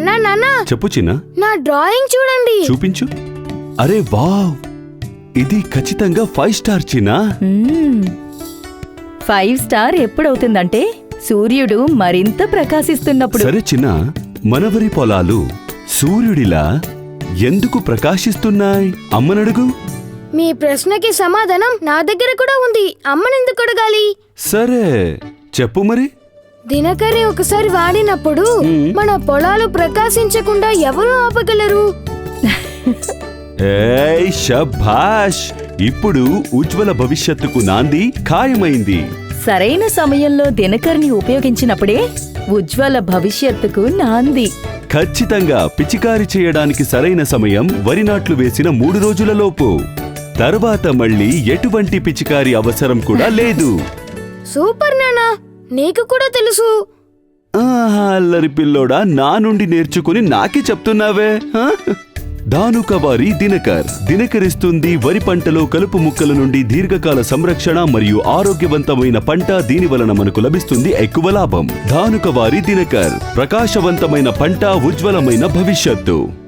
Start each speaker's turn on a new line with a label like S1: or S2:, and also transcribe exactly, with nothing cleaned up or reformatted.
S1: నానా నానా
S2: చెప్పు చిన్న.
S1: నా డ్రాయింగ్ చూడండి.
S2: చూపించు. అరే వావ్, ఇది ఖచ్చితంగా ఫైవ్ స్టార్ చిన్న.
S3: ఫైవ్ స్టార్ ఎప్పుడవుతుందంటే సూర్యుడు మరింత ప్రకాశిస్తున్నప్పుడు.
S2: సరే చిన్న, మనవరి పొలాలు సూర్యుడిలా ఎందుకు ప్రకాశిస్తున్నాయి? అమ్మనడుగు.
S1: మీ ప్రశ్నకి సమాధానం నా దగ్గర కూడా ఉంది. అమ్మనెందుకు అడగాలి?
S2: సరే చెప్పు మరి.
S1: దినకర్ని ఒకసారి వాడినప్పుడు మన పొలాలు ప్రకాశించకుండా ఎవరు ఆపగలరు?
S2: ఏయ్ శభాష్, ఇప్పుడు ఉజ్వల భవిష్యత్తుకు నాంది ఖాయమైంది.
S3: సరైన సమయంలో దినకర్ని ఉపయోగించినప్పుడే ఉజ్వల భవిష్యత్తుకు నాంది.
S2: ఖచ్చితంగా పిచికారి చేయడానికి సరైన సమయం వరి నాట్లు వేసిన మూడు రోజుల లోపు. తర్వాత మళ్ళీ ఎటువంటి పిచికారి అవసరం కూడా లేదు.
S1: సూపర్ నానా, నీకు కూడా తెలుసు.
S2: ఆహా, అల్లరి పిల్లోడా, నా నుండి నేర్చుకుని నాకే చెప్తున్నావే. ధానుకవారి దినకర్ దినకరిస్తుంది వరి పంటలో కలుపు ముక్కల నుండి దీర్ఘకాల సంరక్షణ మరియు ఆరోగ్యవంతమైన పంట. దీని వలన మనకు లభిస్తుంది ఎక్కువ లాభం. ధానుకవారి దినకర్, ప్రకాశవంతమైన పంట, ఉజ్వలమైన భవిష్యత్తు.